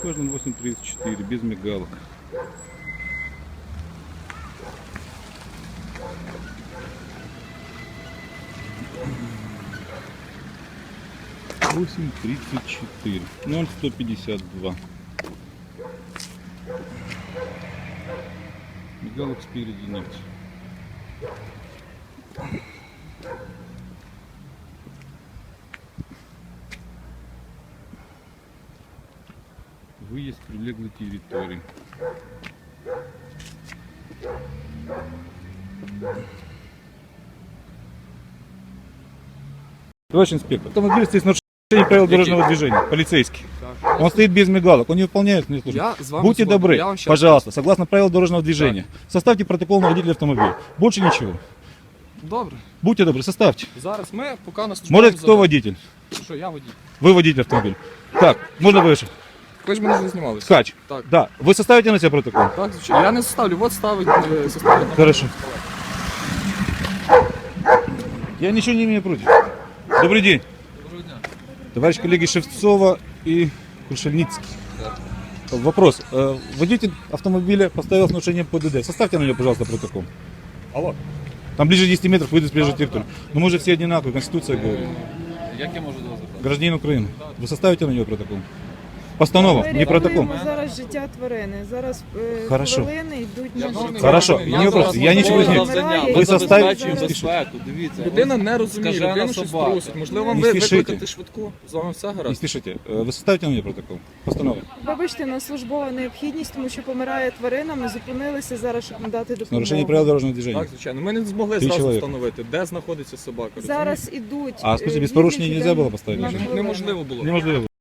Кожан 834, без мигалок. Восемь 34, 0,152. Мигалок спереди нет. Выезд прилеглой территории. Товарищ инспектор, автомобиль стоит с нарушением правил дорожного движения, полицейский. Он стоит без мигалок, он не выполняет свои службы. Будьте добры, пожалуйста, согласно правил дорожного движения, составьте протокол на водителя автомобиля. Больше ничего. Добре. Будьте добры, составьте. Зараз ми поки нас... Может, кто водитель? Що, я водій. Вы водитель автомобиля. Так, можно выше. Ви ж мене вже знімали. Ткач. Так. Да. Вы составите на себя протокол? Так, звичайно. Я не составлю, от ставить, составить. Хорошо. Я ничего не имею против. Добрый день. Доброго дня. Товарищ коллеги Шевцова и Крушельницкий. Вопрос. Водитель автомобиля поставил с нарушением ПДД. Составьте на него, пожалуйста, протокол. Алло. Там ближе 10 метров выйдет с прежней территории. Но мы же все одинаковые, Конституция говорит. Як я можу до вас звертатися? Гражданин Украины. Вы составите на него протокол? Постанова, не протокол. Ми зараз життя тварини. Зараз Хорошо. хвилини йдуть на життя. Хорошо, не вопрос. Я ничего не знаю. Вмирає, Ви і составите, зараз- не спішіть. безпеку, дивіться. Людина не розуміє, Скажена людина щось собака. просить. Можливо, вам Не спішите. викликати швидку? З вами все Не гаразд? спешите. Вы составите на меня протокол? Постанова. Вибачте, на службова необхідність, тому що помирає тварина. Ми зупинилися зараз, щоб надати С нарушением допомогу. правил дорожного движения. Так, звичайно. Ми не змогли Три зразу чоловіка. встановити, де знаходиться собака. Зараз ідуть. А скажите, без порушения нельзя было поставить? на машину? хвилину. Неможливо було. Неможливо.